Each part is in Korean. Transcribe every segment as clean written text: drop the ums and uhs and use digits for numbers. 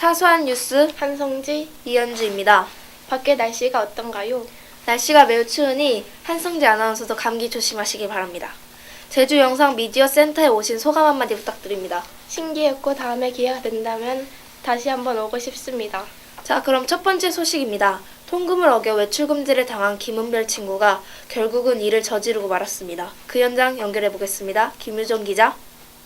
사소한 뉴스 한성지, 이현주입니다. 밖에 날씨가 어떤가요? 날씨가 매우 추우니 한성재 아나운서도 감기 조심하시기 바랍니다. 제주 영상 미디어 센터에 오신 소감 한마디 부탁드립니다. 신기했고 다음에 기회가 된다면 다시 한번 오고 싶습니다. 자, 그럼 첫 번째 소식입니다. 통금을 어겨 외출 금지를 당한 김은별 친구가 결국은 일을 저지르고 말았습니다. 그 현장 연결해 보겠습니다. 김유정 기자.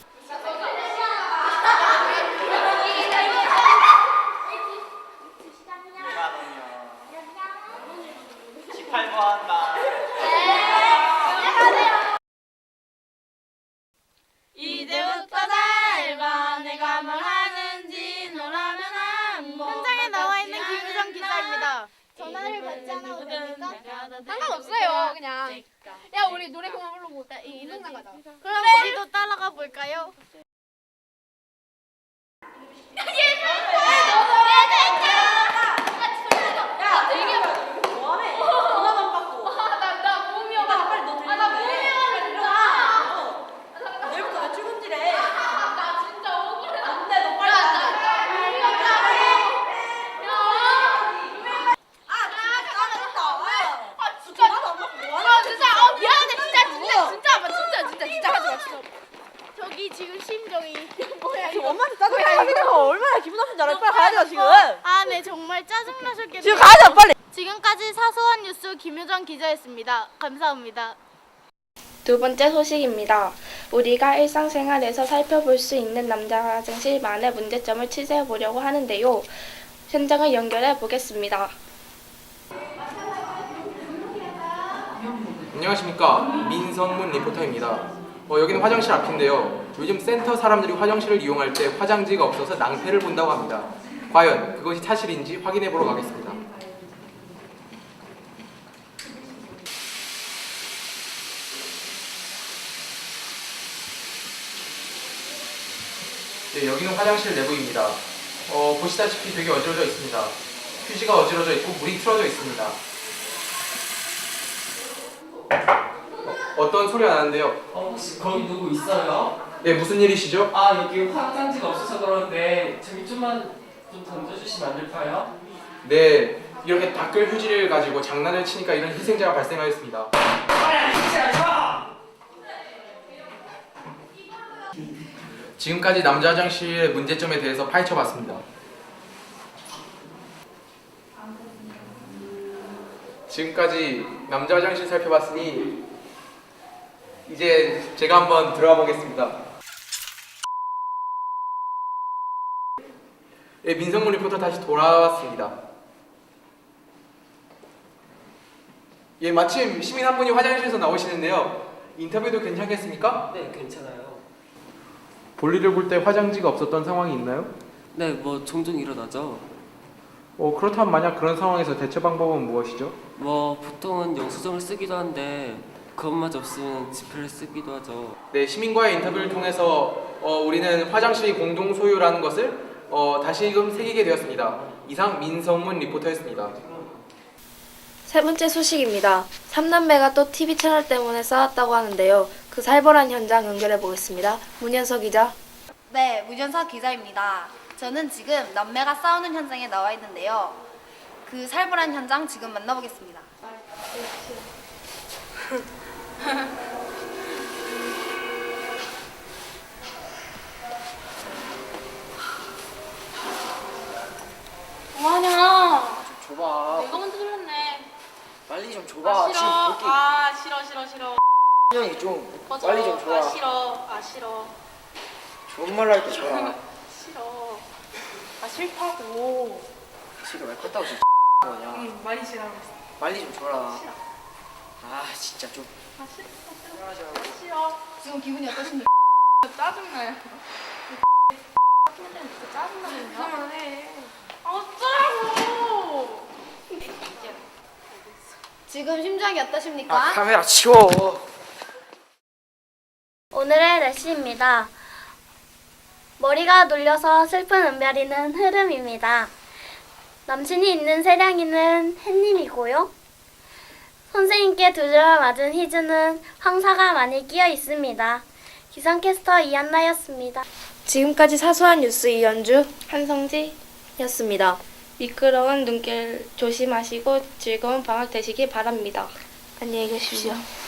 이제부터 살봐 내가 뭘 하는지 너라면 한번 현장에 나와 있는 김유정 기자입니다. 전화를 받지 않아도 됩니까? 상관없어요. 그냥. 야 우리 노래 그만 부르고 이 이동장 가자. 그럼 우리도 따라가 볼까요? 진짜 하지 마. 저기 지금 심정이 뭐야 이거? 엄마한테 짜증나. 이거 얼마나 기분 나쁜지 알아? 빨리 가야 돼 지금. 아, 네 정말 짜증나셨겠네요. 지금 가야 돼 빨리. 지금까지 사소한 뉴스 김효정 기자였습니다. 감사합니다. 두 번째 소식입니다. 우리가 일상생활에서 살펴볼 수 있는 남자 화장실만의 문제점을 취재해 보려고 하는데요. 현장을 연결해 보겠습니다. 안녕하십니까, 민성문 리포터입니다. 여기는 화장실 앞인데요. 요즘 센터 사람들이 화장실을 이용할 때 화장지가 없어서 낭패를 본다고 합니다. 과연 그것이 사실인지 확인해 보러 가겠습니다. 네, 여기는 화장실 내부입니다. 보시다시피 되게 어지러져 있습니다. 휴지가 어지러져 있고 물이 틀어져 있습니다. 어떤 소리가 나는데요? 혹시 거기 누구 있어요? 네, 무슨 일이시죠? 여기 화장지가 없어서 그러는데 저기 좀만 좀 던져주시면 안 될까요? 네, 이렇게 닦을 휴지를 가지고 장난을 치니까 이런 희생자가 발생하였습니다. 지금까지 남자 화장실의 문제점에 대해서 파헤쳐봤습니다. 지금까지 남자 화장실 살펴봤으니 이제 제가 한번 들어가 보겠습니다. 예, 민성문 리포터 다시 돌아왔습니다. 예, 마침 시민 한 분이 화장실에서 나오시는데요. 인터뷰도 괜찮겠습니까? 네, 괜찮아요. 볼일을 볼 때 화장지가 없었던 상황이 있나요? 네, 뭐 종종 일어나죠. 그렇다면 만약 그런 상황에서 대처 방법은 무엇이죠? 뭐 보통은 영수증을 쓰기도 한데 그것마저 없으면 지폐를 쓰기도 하죠. 네, 시민과의 인터뷰를 통해서 우리는 화장실이 공동 소유라는 것을 다시금 새기게 되었습니다. 이상 민성문 리포터였습니다. 세 번째 소식입니다. 3남매가 또 TV 채널 때문에 싸웠다고 하는데요. 그 살벌한 현장 연결해 보겠습니다. 문현석 기자. 네, 문현석 기자입니다. 저는 지금 남매가 싸우는 현장에 나와 있는데요. 그 살벌한 현장 지금 만나보겠습니다. 뭐하냐? 줘봐. 내가 먼저 들렸네. 빨리 좀 줘봐. 지금 볼게. 싫어. 형이 좀 꺼져. 빨리 좀 줘. 싫어. 좋은 말로 할 때 줘라. 싫어. 싫다고. 지금 왜 컸다고 지금 거냐? 많이 싫어하고 있어. 빨리 좀 줘라. 진짜 좀. 싫어. 지금 기분이 어떠신가요? 짜증나요. 짜증나거든요. 그만해. 어쩌라고. 지금 심정이 어떠십니까? 카메라 치워. 오늘의 날씨입니다. 머리가 눌려서 슬픈 은별이는 흐름입니다. 남친이 있는 세량이는 햇님이고요. 선생님께 두 줄 맞은 희주는 황사가 많이 끼어 있습니다. 기상캐스터 이한나였습니다. 지금까지 사소한 뉴스 이현주, 한성지, 였습니다. 미끄러운 눈길 조심하시고 즐거운 방학 되시기 바랍니다. 안녕히 계십시오.